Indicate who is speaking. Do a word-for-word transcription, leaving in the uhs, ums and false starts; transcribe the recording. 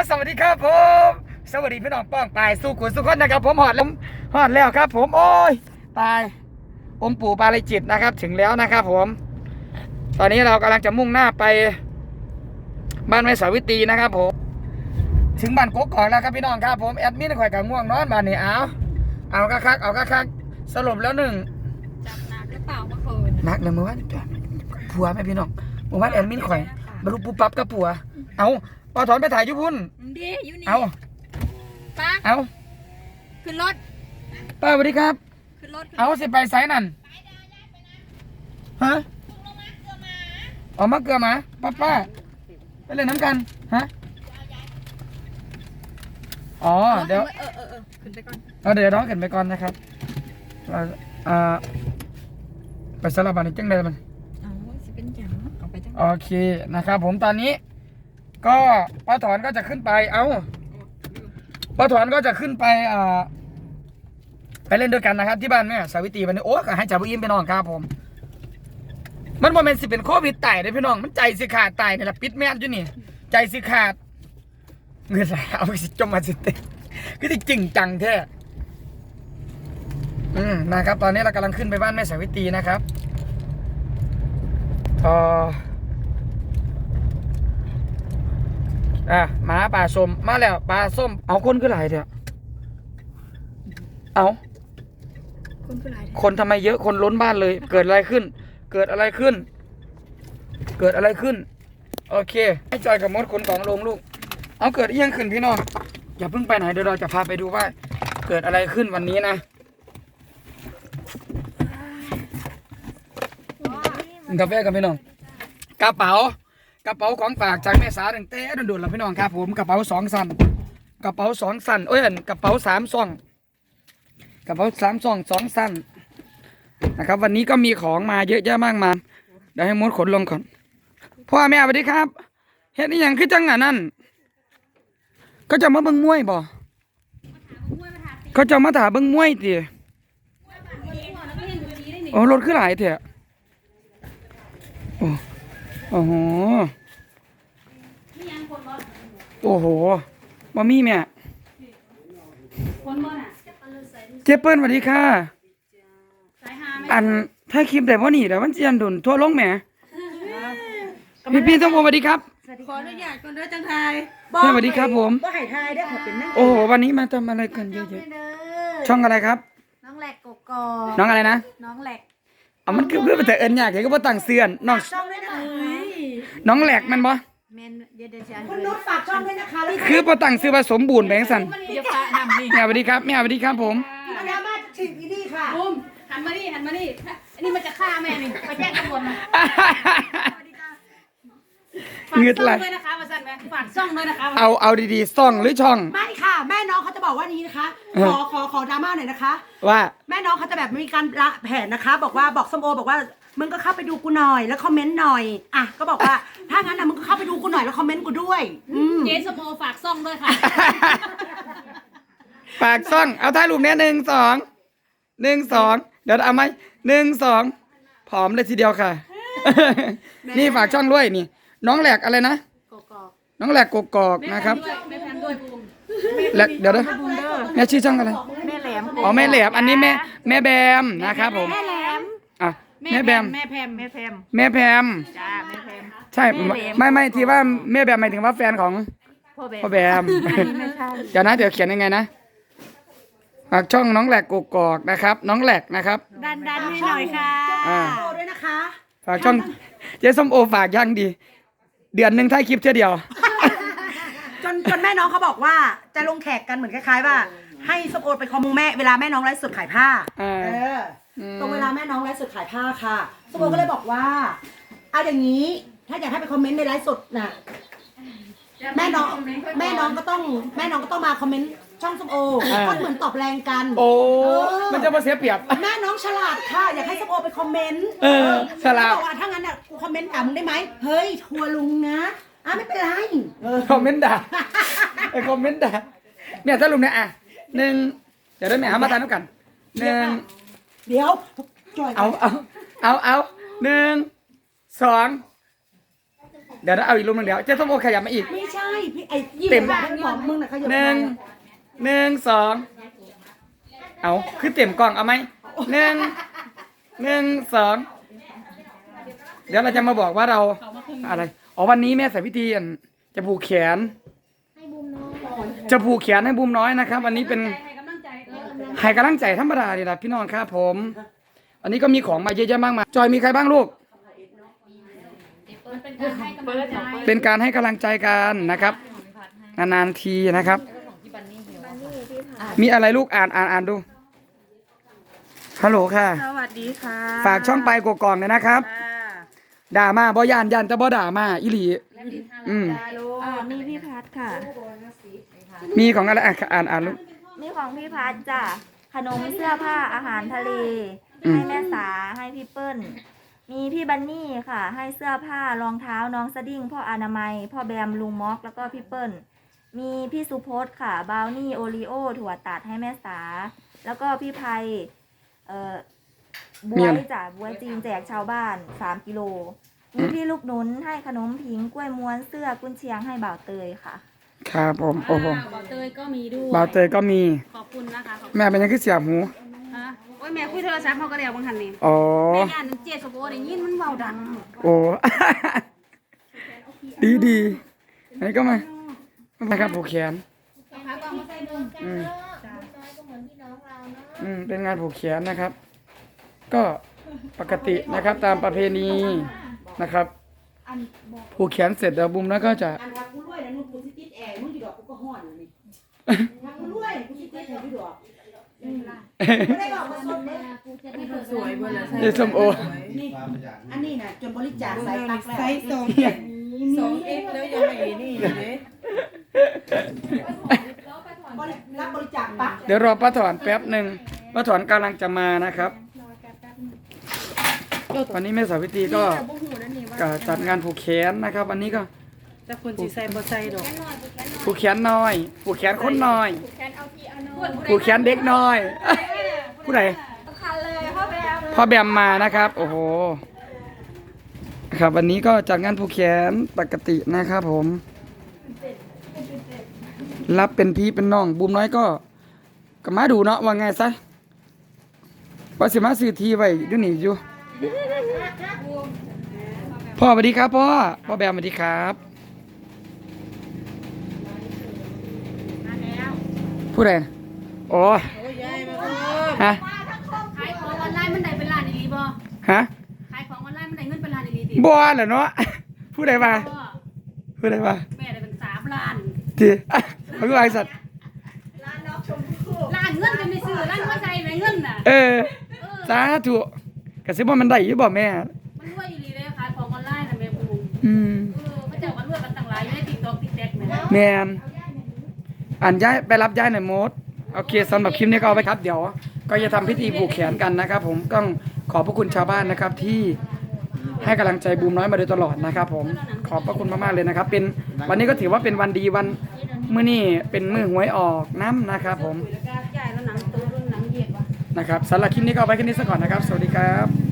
Speaker 1: สวัสดีครับผมสวัสดีพี่น้องป้องปายสู้ขุนสุขคนนะครับผมหอดแล้วหอดแล้วครับผมโอ้ยตายองค์ปู่ปาริจิตนะครับถึงแล้วนะครับผมตอนนี้เรากำลังจะมุ่งหน้าไปบ้านแม่สาวิตรีนะครับผมถึงบ้านกกอกแล้วครับพี่น้องครับผมแอดมินข่อยกับง่วงนอนบ้านนี้เอาเอากระคักเอากระคักสรุปแล้วหนึ่ง
Speaker 2: จับหนักหรือเปล่าเมื่อคืน
Speaker 1: นักเลยเมื่อวานผัวไหมพี่น้องเมื่อวานแอดมินข่อยบรรลุปุ๊บปั๊บกับผัวเอาปอถอนไปถ่ายยุพุ่น
Speaker 2: ดีอยู่นี่
Speaker 1: เอา
Speaker 2: ป้า
Speaker 1: เอา
Speaker 2: ขึ้นรถ
Speaker 1: ป้าสวัสดีครับ
Speaker 2: ขึ้นรถ
Speaker 1: เอาสิไปไซนั่นฮะออกมาเกลือมาป้าป้าไปเล่นน้ำกันฮะอ๋อเดี๋ยว
Speaker 2: เออเออเออขึ้นไปก่อน
Speaker 1: เอาเดี๋ยวน้องขึ้นไปก่อนนะครับเราอ่าไปสลับบันนี้จังเลยมัน
Speaker 2: เอาสิเป็นจังเอาไปจัง
Speaker 1: โอเคนะครับผมตอนนี้ก็ป้าถอนก็จะขึ้นไปเอาป้าถอนก็จะขึ้นไปอ่าไปเล่นด้วยกันนะครับที่บ้านแม่สาวิตรีวันนี้โอ้ก็ให้จ่าบุอิมไปนอนครับผมมันโมเมนต์สิเป็นโควิดตายเลยพี่น้องมันใจสิขาดตายนี่แหละปิดแม่อยู่นี่ใจสิขาดเงินไหลเอาไปสิจมมาสิเตคือที่จริงจังแท้อืมนะครับตอนนี้เรากำลังขึ้นไปบ้านแม่สาวิตรีนะครับพออ่ะหมาป่าส้มมาแล้วปลาส้มเอาคนคือหลายเถอะเอา
Speaker 2: คนคือไร
Speaker 1: คนทำไมเยอะคนล้นบ้านเลยเกิดอะไรขึ้นเกิดอะไรขึ้นเกิดอะไรขึ้นโอเคให้จอยกับมดขนของลงลูกเอาเกิดเอี้ยงขึ้นพี่น้องอย่าเพิ่งไปไหนเดี๋ยวเราจะพาไปดูว่าเกิดอะไรขึ้นวันนี้นะกาแฟกับพี่น้องกระเป๋ากระเป๋าของฝากจากแม่สาตั้งแต่โดนๆแล้วพี่น้องครับผมกระเป๋าสองสั้นกระเป๋าสองสั้นเอ้ยกระเป๋าสามซ่องกระเป๋าสามซ่องสองสั้นนะครับวันนี้ก็มีของมาเยอะแยะมากมายเดี๋ยวให้มดขนลงก่อนพ่อแม่สวัสดีครับเฮ็ดนี่ยังคือจังอ่ะนั่นก็จะมาเบิ่งมวยบ่เขาจะมาถาเบิ่งมวยติโอ้รถคือหลายเถอะโอ้โอ้โหโอ้โหมามีแม่เจ๊เปิ้ลสวัสดีค่ะอันถ้าคลิปแต่ว่านี่เดี๋ยวมันจะยันดุนทั่วโลกแหมพี่พี่ต้องโอสวัสดีครับ
Speaker 2: ขออนุญาตก่อนเด้อจังไทย
Speaker 1: สวัสดีครับผม
Speaker 2: บ่ให้ทายได้ขอเป็นนั่ง
Speaker 1: โอ้โหวันนี้มาทำอะไรกันเยอะๆช่องอะไรครับ
Speaker 2: น้องแหลกกกอ
Speaker 1: น้องอะไรนะ
Speaker 2: น้องแหลก
Speaker 1: อ๋อมันคือเพื่อแต่เอิญอยากเห็นก็บ่ตั้งเสื่อนน้อง
Speaker 2: ช่องด้วยนะคะ
Speaker 1: น้องแหลกมันบ่
Speaker 2: แมนเดี๋ยวเดี๋ยวคุณนุชฝากช่องด้วยนะคะ
Speaker 1: คือบ่ตั้งซื้อผสมบูรณ์แบงสัน
Speaker 2: เดี๋ยวฝากทำนี่
Speaker 1: แม่สวัสดีครับแม่สวัสดีครับผม
Speaker 2: มาดามาถึงที่นี่ค่ะบุ้มหันมานี่หันมานี่อันนี้มันจะฆ่าแม่นี่ไปแจ้งตำรวจมา
Speaker 1: เงือดไหล
Speaker 2: ด้วยนะคะมาสั่นไหมฝากช่องด้วยนะคะ
Speaker 1: เอาเอาดีๆซ่องหรือช่อง
Speaker 3: ไม่ค่ะแม่น้องเขาจะบอกว่านี้นะคะขอขอขอดราม่าหน่อยนะคะ
Speaker 1: ว่า
Speaker 3: แม่น้องเขาจะแบบมีการละแผนนะคะบอกว่าบอกส้มโอบอกว่ามึงก็เข้าไปดูกูหน่อยแล้วคอมเมนต์หน่อยอ่ะก็บอกว่าถ้างั้นนะมึงก็เข้าไปดูกูหน่อยแล้วคอมเมนต์กูด้วย
Speaker 2: เจ๊สมโอฝากซ่องด้วยค่ะ
Speaker 1: ฝากซ่องเอาท้ายรูปเนี้ยหนึ่งสองหนึ่งสองเดี๋ยวเอาไหมหนึ่งสองผอมเลยทีเดียวค่ะนี่ฝากช่องด้วยนี่น้องแหลกอะไรนะน้องแหลกกกอกนะครับแหลกเดี๋ยวนะแม่ชื่อช่องอะไร
Speaker 2: แม่แหลม
Speaker 1: อ๋อแม่แหลมอันนี้แม่แม่แบมนะครับผม
Speaker 2: แม่แหลม
Speaker 1: อ่ะแม่แบม
Speaker 2: แม่แพมแม่แพม
Speaker 1: แม่แพม
Speaker 2: จ้าแม่แพม
Speaker 1: ใช่ไม่ไม่ที่ว่าแม่แบมหมายถึงว่าแฟนของพ่อแบมเดี๋ยวนะเดี๋ยวเขียนยังไงนะฝากช่องน้องแหลกกกอกนะครับน้องแหลกนะครับ
Speaker 2: ดันดันให้หน่อยค่ะ
Speaker 3: โอด้วยนะคะ
Speaker 1: ฝากช่องเจ๊ส้มโอฝากยังดีเดือนหนึ่งถ่ายคลิปเท่าเดียว
Speaker 3: จนจนแม่น้องเขาบอกว่าจะลงแขกกันเหมือนคล้ายๆว่าให้ส้มโอไปคอมมูแม่เวลาแม่น้องไลฟ์สดขายผ้าเออตรงเวลาแม่น้องไลฟ์สดขายผ้าค่ะส้มโอก็เลยบอกว่าเอาอย่างนี้ถ้าอยากให้ไปคอมเมนต์ในไลฟ์สดน่ะแม่น้องแม่น้องก็ต้องแม่น้องก็ต้องมาคอมเมนต์ช่องส้มโอก็เหมือนตอบแรงกัน
Speaker 1: โอ้มันจะมาเสียเปรียบ
Speaker 3: แม่น้องฉลาดค่ะอยากให้ส้มโอไปคอมเมนต์
Speaker 1: เออฉลาด
Speaker 3: บอกว่าถ้างั้นน่ะกูคอมเมนต์ด่ามึงได้ไหมเฮ้ยทัวลุงนะอ่ะไม่เป็นไร
Speaker 1: คอมเมนต์ด่าไอคอมเมนต์ด่าเนี่ยถ้าลุงเนี่ยอ่ะหนึ่งเดี๋ยวได้แม่หามาทานด้วยกันหนึ่ง
Speaker 3: เดี๋ยว
Speaker 1: เอาเอาเอาเอาหนึ่งสองเดี๋ยวนะเอาอีกรูปหนึงเดี๋ยวเจ๊ส้มโอขยับมาอีก
Speaker 3: ไม่ใช่พี่ไอ้
Speaker 1: เต็ม
Speaker 3: แบบให้บอกมึงนะขยับ
Speaker 1: หนึ่งหนึ่งสองเอาคือเต็มกล่องเอาไหมหนึ่งหนึ่งสองเดี๋ยวเราจะมาบอกว่าเราอะไรอ๋อวันนี้แม่ใส่พิธีอันจะผูกแขนจะผูกแขนให้บูมน้อยนะครับวันนี้เป็น
Speaker 2: ให้กำลังใจเออ
Speaker 1: ให้กำลังใจธรรมดาดีนะพี่น้องครับผมอันนี้ก็มีของมาเยอะแยะมากมายจอยมีใครบ้างลูก
Speaker 2: มันเป็นการให้กำลังใจ
Speaker 1: เป็นการให้กำลังใจกันนะครับนานๆทีนะครับ มีอะไรลูกอ่านอ่านอ่านดูฮัลโหลค่ะ
Speaker 3: สวัสดีค่ะ
Speaker 1: ฝากช่องไปกกองเลยนะครับด่ามาบ่ยานยันแต่บ่ด่ามาอีหลีอืม
Speaker 4: อ่ามีพี่พัดค่ะ
Speaker 1: มีของอะไรอ่ะอ่านอ่านลูก
Speaker 4: มีของพี่พัดจ้ะ ขนมเสื้อผ้าอาหารทะเล
Speaker 1: อืม
Speaker 4: ให้แม่สาให้พี่เปิ้ล มีพี่บันนี่ค่ะ ให้เสื้อผ้ารองเท้าน้องสดิ้งพ่ออนามัย พ่อแบมลุงม็อกแล้วก็พี่เปิ้ล มีพี่สุพจน์ค่ะบราวนี่โอรีโอถั่วตัดให้แม่สา แล้วก็พี่ไพเอ่อบวยจ้ะบวยจีนแจกชาวบ้านสามกิโล มีพี่ลูกหนุนให้ขนมผิงกล้วยม้วนเสื้อกุนเชียงให้บ่าวเตยค่ะ
Speaker 1: ครับผมโอ้โห
Speaker 2: อ่าบ่าวเตยก็มีด้วย
Speaker 1: บ่าวเตยก็มี
Speaker 2: ขอบคุณนะคะขอบคุณ
Speaker 1: แม่เป็นยังคือเสียบหู
Speaker 2: ฮะโอ้ยแม่คุยโทรศัพท์เขาก็เดี๋ยวบางทันนี่
Speaker 1: อ๋อ
Speaker 2: แม่ย่านเจ็ดสโบได้ยินมันเบาดัง
Speaker 1: โอ้ ดีดีไหนก็มานะครับผูกแขน
Speaker 2: นะคะก็มาใส่เบิ่ง
Speaker 1: อืมอืมเป็นงานผูกแขนนะครับ ก็ปกตินะครับตามประเพณีนะครับผูกแขนเสร็จแล้วบุ้มแล้วก็จะ
Speaker 3: อันทางกูรวยนะนุ่นกูสิติดแอร์มึงกี่ดอกกูก็ห่อนอยู่นี่ทางกูรวยกูสิติดแอร์กี่ดอกอืมไม่ได้บอกมาสดเลย
Speaker 5: สวยเบอร์เลย
Speaker 1: เยส้มโอ
Speaker 3: นี่อันนี้นะจนบริจาคใส่ตักแล้ว
Speaker 5: ไซส์สองสองเอ็กแล้วยังไม่นี่อยู่เลย
Speaker 3: บริรับบริจาคปัก
Speaker 1: เดี๋ยวรอป้าถอนแป๊บหนึ่งป้าถอนกำลังจะมานะครับวันนี้แม่สาวิตรีก็ก็จัดงานผูกแขนนะครับ วันนี้ก็
Speaker 5: แต่คนจีใส่บ่ใส่ดอก
Speaker 1: ผูกแขนน้อยผูกแขนคนน้อยผูกแขนเด็กน้อย ผู้ใดพ่อแบมมานะครับ โอ้โหครับวันนี้ก็จัดงานผูกแขนปกตินะครับผม รับเป็นพี่เป็นน้องบูมน้อยก็ก็มาดูเนาะว่าไงซะว่าสิมาซื้อทีไว้อยู่นี่อยู่พ่อสวัสดีครับพ่อพ่อแบมสวัสดีครับผู้ใดนะโอ้
Speaker 5: โอ้ยยายมาเพิ่ม
Speaker 1: ฮะ
Speaker 2: ขายของออนไลน์มันได้เป็นล้านดีๆบ่
Speaker 1: ฮะ
Speaker 2: ขายของออนไลน์มันได้เงินเป็นล้านดีๆดิ
Speaker 1: บัวเหรอเนาะผู้ใดมา
Speaker 2: พ่อ
Speaker 1: ผู้ใดมา
Speaker 2: แม่ได้เป็นสามล้าน
Speaker 1: ทีอ่ะเขาคือไอสัตว์
Speaker 2: ล้านเงินกันไม่ซื้อล้านหัวใจไหมเงินน่ะ
Speaker 1: เออสาธุกระซิบว่ามันได้อยู่บ่แม่
Speaker 2: มันรวยอีหลีเลยขายของออนไลน์น่ะแม่บูม
Speaker 1: อืม
Speaker 2: เออพระเจ้ามันรวยกันต่างหลายอยู่ใน TikTok TikTok แม่
Speaker 1: แมนอ่านย้ายไปรับย้ายหน่อยโมดโอเคสำหรับคลิปนี้ก็เอาไปครับ เดี๋ยว ก็จะทำพิธีผูกแขนกันนะครับ ผมต้องขอบพระคุณชาวบ้านนะครับ ที่ให้กำลังใจบูมน้อยมาโดยตลอดนะครับ ผมขอบพระคุณมากๆเลยนะครับ เป็นวันนี้ก็ถือว่าเป็นวันดีวันมื้อนี้เป็นมื้อหวยออกน้ำนะครับ ผม
Speaker 2: แล้วก็จ่ายแล้วหนังตัวรุ่นหนังเหยียดว่ะ
Speaker 1: นะครับสำหรับคลิปนี้ก็เอาไว้แค่นี้ซะก่อนนะครับ สวัสดีครับ